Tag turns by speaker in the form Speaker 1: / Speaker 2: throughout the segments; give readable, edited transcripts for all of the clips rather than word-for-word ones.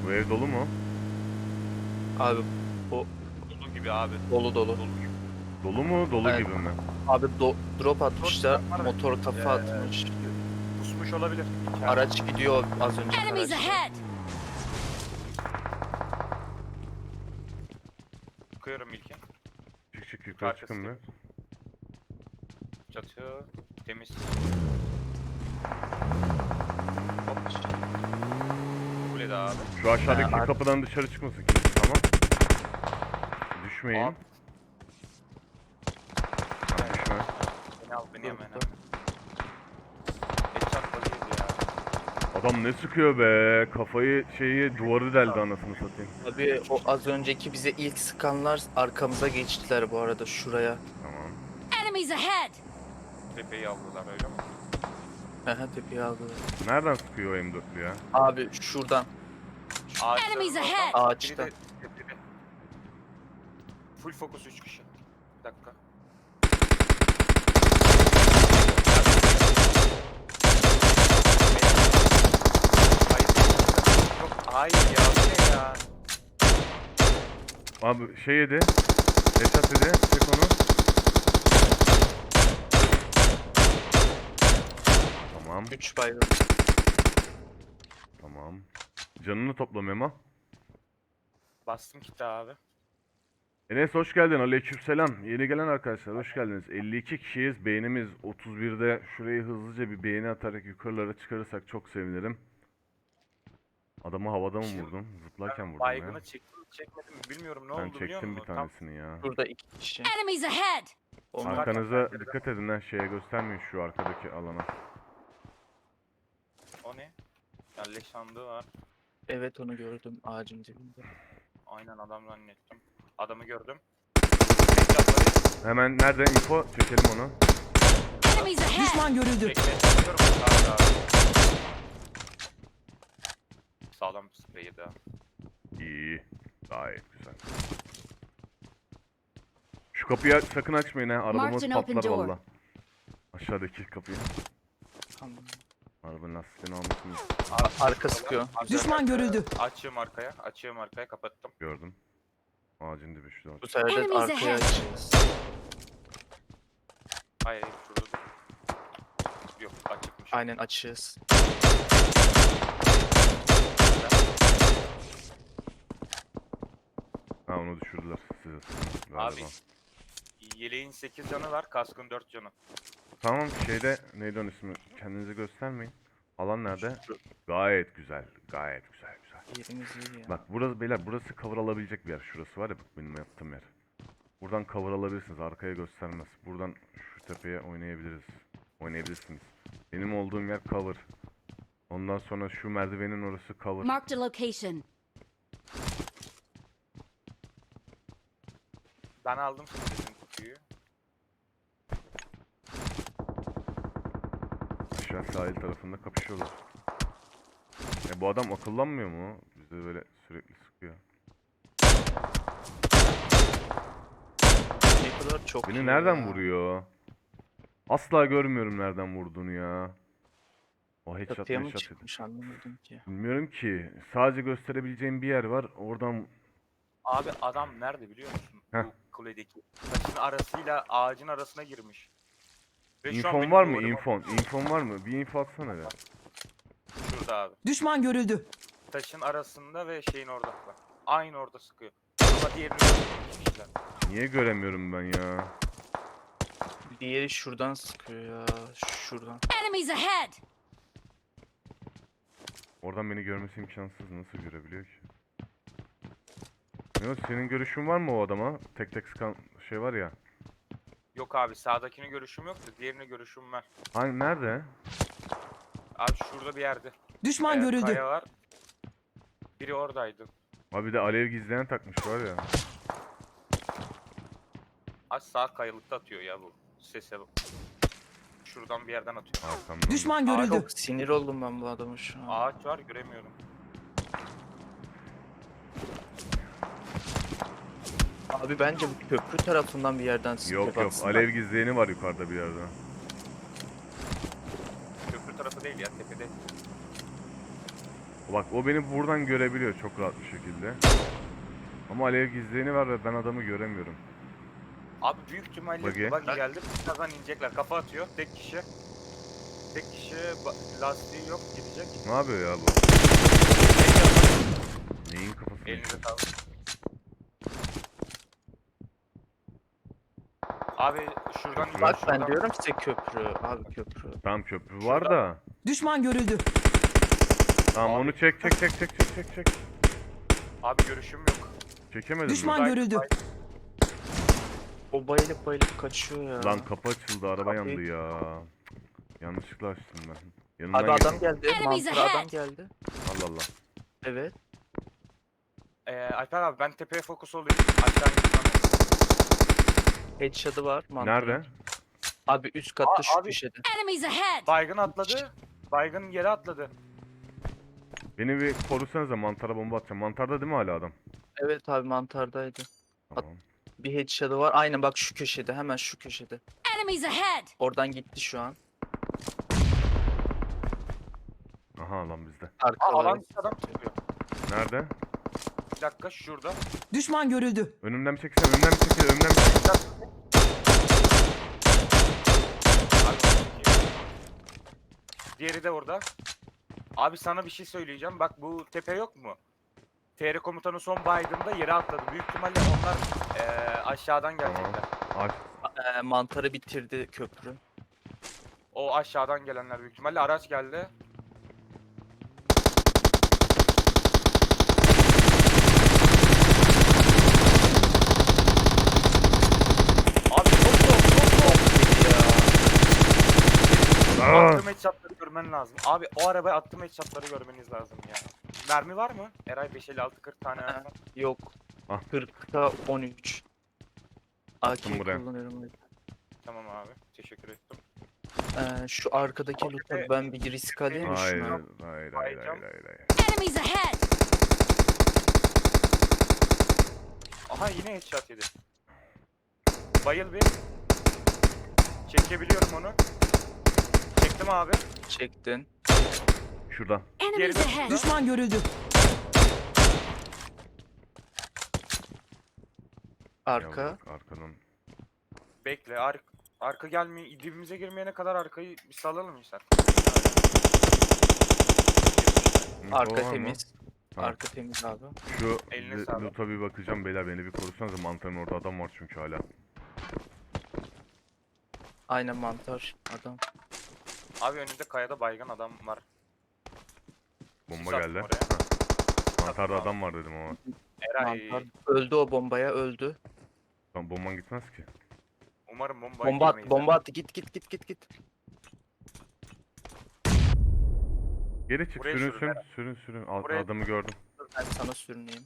Speaker 1: Bu ev dolu mu?
Speaker 2: Abi bu
Speaker 3: Dolu gibi abi.
Speaker 2: dolu dolu.
Speaker 3: Dolu gibi.
Speaker 1: Dolu mu? Dolu
Speaker 2: Evet.
Speaker 1: gibi mi?
Speaker 2: Abi drop atmışlar.
Speaker 3: Var mı?
Speaker 2: Motor kafa atmış.
Speaker 3: Pusmuş olabilir. İçeride.
Speaker 2: Araç gidiyor az önce
Speaker 4: Enemies
Speaker 2: araçta.
Speaker 4: ahead!
Speaker 3: Bakıyorum ilki.
Speaker 1: Çık yukarı
Speaker 3: Arkası
Speaker 1: çıkın bir.
Speaker 3: Çatı temiz. Kulede abi.
Speaker 1: Şu aşağıdaki
Speaker 2: Ha,
Speaker 1: kapıdan dışarı çıkmasın kimse, tamam. Düşmeyin.
Speaker 3: Abi.
Speaker 1: Tamam, düşme.
Speaker 3: Beni al beni hemen.
Speaker 2: Burada.
Speaker 3: Headshot vaziyeti ya.
Speaker 1: Adam ne sıkıyor be? Kafayı duvarı deldi anasını satayım.
Speaker 2: Abi o az önceki bize ilk sıkanlar arkamıza geçtiler bu arada şuraya.
Speaker 1: Tamam.
Speaker 4: Enemies ahead!
Speaker 3: Tepeyi aldılar öyle mi?
Speaker 2: Aha tepeye aldılar.
Speaker 1: Nereden sıkıyor o M4'lü ya?
Speaker 2: Abi şuradan.
Speaker 3: Ağaçların
Speaker 4: Enemies
Speaker 3: oradan,
Speaker 4: ahead.
Speaker 2: Ağaçta.
Speaker 3: biri de tepede. Full fokus 3 kişi. Bir dakika. Hayır ya bu ne ya?
Speaker 1: Abi yedi. Esat yedi. Çek onu. Tamam.
Speaker 2: 3 baygın.
Speaker 1: Tamam. Canını topla Memo.
Speaker 3: Bastım kitle abi.
Speaker 1: Enes hoş geldin. Aleykümselam. Yeni gelen arkadaşlar hoş geldiniz. 52 kişiyiz. Beğenimiz 31'de. Şurayı hızlıca bir beğeni atarak yukarılara çıkarırsak çok sevinirim. Adamı havada mı vurdum? Zıplarken vurdum ya.
Speaker 3: Baygını çekmedim mi bilmiyorum ne
Speaker 1: Ben
Speaker 3: oldu biliyor
Speaker 1: çektim bir
Speaker 3: musun?
Speaker 1: tanesini ya.
Speaker 2: Burada 2 kişi.
Speaker 4: Enemies ahead!
Speaker 2: Onlar
Speaker 1: Arkanıza dikkat edin lan, şeye göstermeyin şu arkadaki alana.
Speaker 3: O ne? Ya leş sandığı var.
Speaker 2: evet onu gördüm ağacın dibinde.
Speaker 3: Aynen adam zannettim. Adamı gördüm. Headshot'ları
Speaker 1: Hemen nerede info? Çekelim onu.
Speaker 4: Enemies ahead!
Speaker 5: Düşman görüldü.
Speaker 3: çekmeye çalışıyorum. Sağda abi. Sağlam bir spreyi daha.
Speaker 1: İyi. Gayet güzel. Şu kapıyı sakın açmayın ha. Arabamız
Speaker 4: Marked an open
Speaker 1: patlar
Speaker 4: door.
Speaker 1: valla. Aşağıdaki kapıyı.
Speaker 2: Tamam.
Speaker 1: Arabanın lastiğini almışsınız.
Speaker 2: Arka sıkıyor.
Speaker 5: Düşman görüldü.
Speaker 3: Açıyorum arkaya kapattım.
Speaker 1: Gördüm. Ağacın dibi şurada.
Speaker 2: Bu sefer de
Speaker 4: Enemies
Speaker 2: arkaya
Speaker 4: ahead.
Speaker 2: açacağız.
Speaker 3: Hayır şurada dur. Yok açıkmış.
Speaker 2: Aynen açığız.
Speaker 1: Ha, onu düşürdüler size.
Speaker 3: Abi
Speaker 1: Galiba.
Speaker 3: yeleğin 8 canı var, kaskın 4 canı.
Speaker 1: Tamam, neydi onun ismi? Kendinizi göstermeyin. Alan nerede? Gayet güzel. Gayet güzel.
Speaker 2: Yerimiz iyi ya.
Speaker 1: Bak burası beyler, burası cover alabilecek bir yer. Şurası var ya, bak benim yaptığım yer. Buradan cover alabilirsiniz. Arkaya göstermez. Buradan şu tepeye oynayabilirsiniz. Benim olduğum yer cover. Ondan sonra şu merdivenin orası cover.
Speaker 4: Marked a location.
Speaker 3: Ben aldım sizin kutuyu.
Speaker 1: Aşağı sahil tarafında kapışıyorlar. Bu adam akıllanmıyor mu? Bize böyle sürekli sıkıyor.
Speaker 2: Sniper'lar çok iyi
Speaker 1: Beni nereden
Speaker 2: ya.
Speaker 1: vuruyor? Asla görmüyorum nereden vurduğunu ya. O
Speaker 2: Çatıya mı
Speaker 1: headshot.
Speaker 2: çıkmış anlamadım ki.
Speaker 1: Bilmiyorum ki. Sadece gösterebileceğim bir yer var. Oradan
Speaker 3: Abi adam nerede biliyor musun?
Speaker 1: Heh.
Speaker 3: Bu kuledeki. Taşın arasıyla ağacın arasına girmiş. Ve şu an
Speaker 1: infon
Speaker 3: benim
Speaker 1: var mı?
Speaker 3: duvarıma-
Speaker 1: İnfon var mı? Bir info atsana be.
Speaker 3: Şurada abi.
Speaker 5: Düşman görüldü.
Speaker 3: Taşın arasında ve şeyin orada. Bak. Aynı orada sıkıyor. Ama diğerini görmemişler.
Speaker 1: Niye göremiyorum ben ya?
Speaker 2: Diğeri şuradan sıkıyor ya. Şuradan.
Speaker 4: Enemies ahead!
Speaker 1: Oradan beni görmesi imkansız. Nasıl görebiliyor ki? Ne o, senin görüşün var mı o adama? Tek tek sıkan şey var ya.
Speaker 3: Yok abi sağdakini görüşüm yok da diğerini görüşüm var.
Speaker 1: Hani nerede?
Speaker 3: Abi şurada bir yerde.
Speaker 5: Düşman görüldü.
Speaker 3: Kaya var. Biri oradaydı.
Speaker 1: Abi bir de alev gizleyen takmış var ya.
Speaker 3: Az sağ kayalıkta atıyor ya bu. Sese bak. Şuradan bir yerden atıyor.
Speaker 1: Arkamdan.
Speaker 5: Düşman
Speaker 2: Aa,
Speaker 5: görüldü.
Speaker 2: çok sinir oldum ben bu adama şu an.
Speaker 3: Ağaç var göremiyorum.
Speaker 2: Abi bence bu köprü tarafından bir yerden sıkıyor.
Speaker 1: Yok
Speaker 2: baksana.
Speaker 1: alev gizleyeni var yukarıda bir yerde.
Speaker 3: Köprü tarafı değil ya tepede.
Speaker 1: Bak o beni buradan görebiliyor çok rahat bir şekilde. Ama alev gizleyeni var ve ben adamı göremiyorum.
Speaker 3: Abi büyük ihtimalle
Speaker 1: Buggy.
Speaker 3: buggy geldi. Birazdan inecekler. Kafa atıyor. Tek kişi. Tek kişi lastiği yok gidecek.
Speaker 1: Ne yapıyor ya bu? Neyin kafasını?
Speaker 3: Elinize sağlık. Abi şuradan
Speaker 1: Köprü.
Speaker 2: Bak ben
Speaker 3: şuradan.
Speaker 2: diyorum size köprü. Abi köprü.
Speaker 1: Tamam köprü var da.
Speaker 5: Düşman görüldü.
Speaker 1: Tamam
Speaker 3: Abi.
Speaker 1: onu çek.
Speaker 3: Abi görüşüm yok.
Speaker 1: Çekemedim
Speaker 5: Düşman
Speaker 1: mi?
Speaker 5: görüldü.
Speaker 2: O bayılıp kaçıyor ya.
Speaker 1: Lan kapı açıldı araba
Speaker 2: Kapıyı-
Speaker 1: yandı ya. Yanlışlıkla açtım ben.
Speaker 2: Abi
Speaker 1: Yanından
Speaker 2: adam
Speaker 1: geçtim.
Speaker 2: geldi.
Speaker 4: Enemies
Speaker 2: Mantıra adam
Speaker 4: ahead.
Speaker 2: geldi.
Speaker 1: Allah Allah.
Speaker 2: Evet.
Speaker 3: Alper abi ben tepeye fokus olayım. Aşağı gitmem.
Speaker 2: Headshot'ı var. Mantıra.
Speaker 1: Nerede?
Speaker 2: Abi üst katta şu
Speaker 3: abi.
Speaker 2: köşede.
Speaker 4: Enemies ahead!
Speaker 3: Baygın atladı. Baygın yere atladı.
Speaker 1: Beni bir korusanıza mantara bomba atacağım. Mantarda değil mi hala adam?
Speaker 2: Evet abi mantardaydı.
Speaker 1: Tamam.
Speaker 2: Bir headshot'ı var. Aynen bak şu köşede. Hemen şu köşede.
Speaker 4: Enemies ahead!
Speaker 2: Oradan gitti şu an.
Speaker 1: Aha lan bizde.
Speaker 2: Arkalara.
Speaker 3: Alan adam tutuyor.
Speaker 1: Nerede?
Speaker 3: Bir dakika şurada.
Speaker 5: Düşman görüldü.
Speaker 1: Önümden bir çekilsene. Önümden bir çekil.
Speaker 3: Abi, diğeri de orada. Abi sana bir şey söyleyeceğim. Bak bu tepe yok mu? TR komutanı son baygında yere atladı. Büyük ihtimalle onlar aşağıdan gelecekler.
Speaker 1: Aç.
Speaker 2: Mantarı bitirdi köprü.
Speaker 3: O aşağıdan gelenler büyük ihtimalle. Araç geldi. Abi çok soğuk.
Speaker 1: Aa!
Speaker 3: Attığım headshotları görmen lazım. Abi o arabaya attığım headshotları görmeniz lazım ya. Mermi var mı? Eray 556 40 tane
Speaker 2: Ha.
Speaker 3: var.
Speaker 2: Yok.
Speaker 1: Ah.
Speaker 2: 40'ta 13. AK
Speaker 1: Attım buraya.
Speaker 2: kullanıyorum.
Speaker 3: Tamam abi. Teşekkür ettim.
Speaker 2: Şu arkadaki
Speaker 3: Abi,
Speaker 2: loot'a ben bir risk alayım mı
Speaker 1: Hayır,
Speaker 2: şuna?
Speaker 1: hayır.
Speaker 4: Enemies ahead!
Speaker 3: Aha yine headshot yedi. Bayıl bir. Çekebiliyorum onu. Çektim abi.
Speaker 2: Çektin.
Speaker 1: Şurada.
Speaker 4: Enemies
Speaker 3: Geride-
Speaker 4: ahead!
Speaker 5: Düşman görüldü.
Speaker 2: Arka.
Speaker 1: Ya bak, arkadan.
Speaker 3: Bekle. Arka gelmiyor. Dibimize girmeyene kadar arkayı bir salalım insan.
Speaker 1: Info
Speaker 2: Arka
Speaker 1: var mı?
Speaker 2: temiz.
Speaker 1: Tamam.
Speaker 2: Arka temiz abi.
Speaker 1: Şu
Speaker 3: Eline sağlık.
Speaker 1: loot'a bir bakacağım beyler, beni bir korusanız, mantarın orada adam var çünkü hala.
Speaker 2: Aynen mantar adam.
Speaker 3: Abi önünde kayada baygın adam var.
Speaker 1: Bomba
Speaker 3: Sis attım
Speaker 1: geldi.
Speaker 3: oraya.
Speaker 1: Ha. Mantarda
Speaker 3: Attım
Speaker 1: adam var dedim ama.
Speaker 3: Eray.
Speaker 2: Mantar. Öldü o bombaya öldü.
Speaker 1: Lan bomban gitmez ki.
Speaker 3: Umarım bomba
Speaker 2: Bomba
Speaker 3: yemeyiz
Speaker 2: attı, bomba
Speaker 3: ha.
Speaker 2: attı. Git.
Speaker 1: Geri çık,
Speaker 3: Buraya
Speaker 1: sürün.
Speaker 3: Buraya-
Speaker 1: Adamı gördüm.
Speaker 2: Ben sana sürüneyim.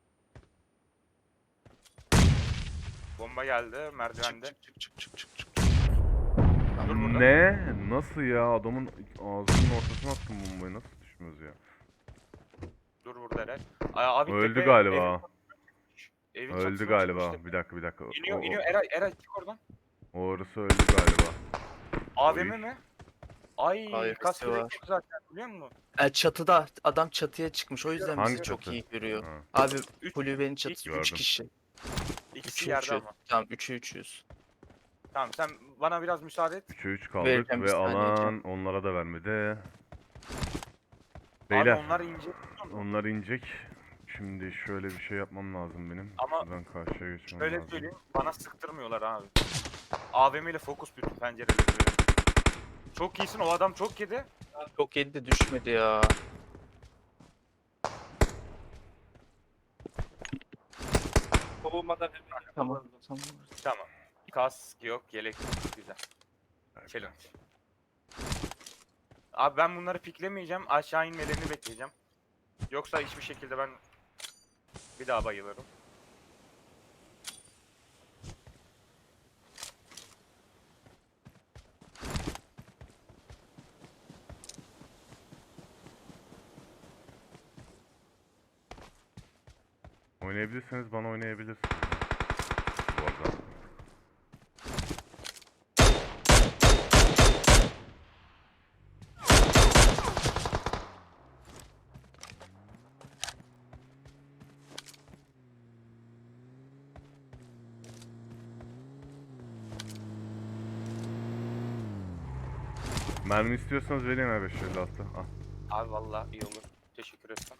Speaker 3: Bomba geldi merdivende.
Speaker 2: Çık.
Speaker 3: Dur burada.
Speaker 1: Ne? Nasıl ya? Adamın ağzının ortasına attım bombayı. Nasıl düşmüyoruz ya?
Speaker 3: Dur burada Eray. Abi
Speaker 1: Öldü
Speaker 3: tepe-
Speaker 1: galiba.
Speaker 3: evin
Speaker 1: Öldü
Speaker 3: çatısına
Speaker 1: galiba.
Speaker 3: çıkmıştı.
Speaker 1: Bir dakika.
Speaker 3: İniyor Eray çık oradan.
Speaker 1: Orası öldü galiba.
Speaker 3: AVM
Speaker 1: Oy.
Speaker 3: mi? Ay
Speaker 2: Hayır,
Speaker 3: kaskı
Speaker 2: var.
Speaker 3: yok zaten biliyor musun?
Speaker 2: Çatıda adam çatıya çıkmış. O yüzden
Speaker 1: Hangi
Speaker 2: bizi çok
Speaker 1: çatı?
Speaker 2: iyi görüyor.
Speaker 1: Ha.
Speaker 2: Abi
Speaker 3: Üç-
Speaker 2: kulübenin çatısı
Speaker 1: Gördüm.
Speaker 2: 3 kişi.
Speaker 3: İkisi
Speaker 2: 3'ü
Speaker 3: yerde
Speaker 2: 3'ü.
Speaker 3: ama.
Speaker 2: Tamam 3'ü 3'üz.
Speaker 3: Tamam sen bana biraz müsaade et.
Speaker 1: 3'e 3 kaldık
Speaker 2: Vereceğim bir
Speaker 1: ve
Speaker 2: saniye
Speaker 1: alan onlara da vermedi.
Speaker 3: Abi
Speaker 1: Beyler,
Speaker 3: onlar ince.
Speaker 1: onlar inecek. Şimdi şöyle bir şey yapmam lazım benim.
Speaker 3: Ama
Speaker 1: Şuradan karşıya geçmem
Speaker 3: Şöyle
Speaker 1: lazım.
Speaker 3: söyleyeyim bana sıktırmıyorlar abi. AVM ile fokus bütün pencereleri. Çok iyisin o adam çok yedi.
Speaker 2: Çok yedi de düşmedi ya. Tamam.
Speaker 3: Tamam. Kask yok yelek yok. Güzel. Challenge. Abi ben bunları piklemeyeceğim. Aşağı inmelerini bekleyeceğim. Yoksa hiçbir şekilde ben bir daha bayılırım.
Speaker 1: Oynayabilirseniz bana oynayabilirsiniz. Bu arada. Mermi istiyorsanız vereyim ya 556. Al.
Speaker 3: Abi vallahi iyi olur. Teşekkür ederim.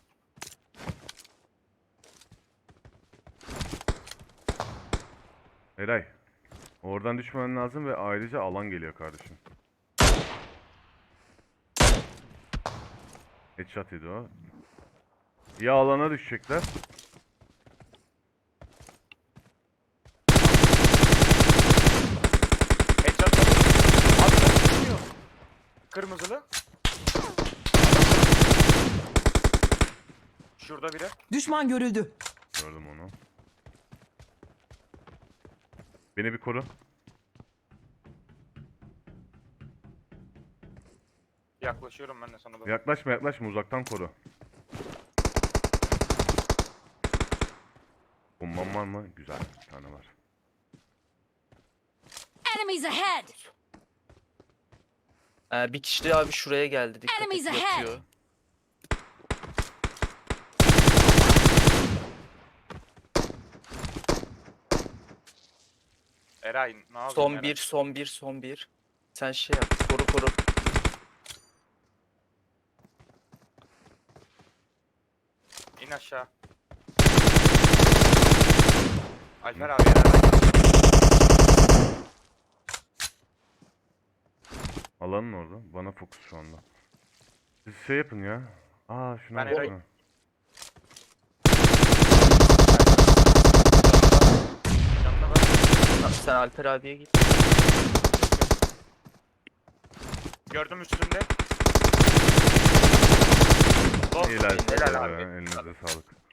Speaker 1: Eray. Oradan düşmemen lazım ve ayrıca alan geliyor kardeşim. Headshot yedi o. Ya alana düşecekler.
Speaker 3: Headshot aldım. Abi sen düşmüyor. Kırmızılı. Şurada biri.
Speaker 5: Düşman görüldü.
Speaker 1: Gördüm onu. Beni bir koru.
Speaker 3: Yaklaşıyorum ben de sana doğru.
Speaker 1: Yaklaşma yaklaşma, uzaktan koru. Bombam var mı? Güzel, bir tane var.
Speaker 4: Enemies ahead!
Speaker 2: Bir kişi de abi şuraya geldi. Dikkat et,
Speaker 4: Enemies ahead!
Speaker 2: yatıyor.
Speaker 3: Eray ne yapıyorsun
Speaker 2: Son
Speaker 3: Eray?
Speaker 2: bir, son bir, son bir. Sen şey yap. Koru koru.
Speaker 3: İn aşağı. Alper abi Eray.
Speaker 1: Alanın orada. Bana fokus şu anda. Siz şey yapın ya. Şuna
Speaker 3: Ben
Speaker 1: bakın.
Speaker 3: Eray'ı-
Speaker 1: ha.
Speaker 3: Yanına bak.
Speaker 2: Sen Alper abiye git.
Speaker 3: Gördüm üstünde. Bol.
Speaker 1: İyiler.
Speaker 3: Helal abi.
Speaker 1: Elinize sağlık.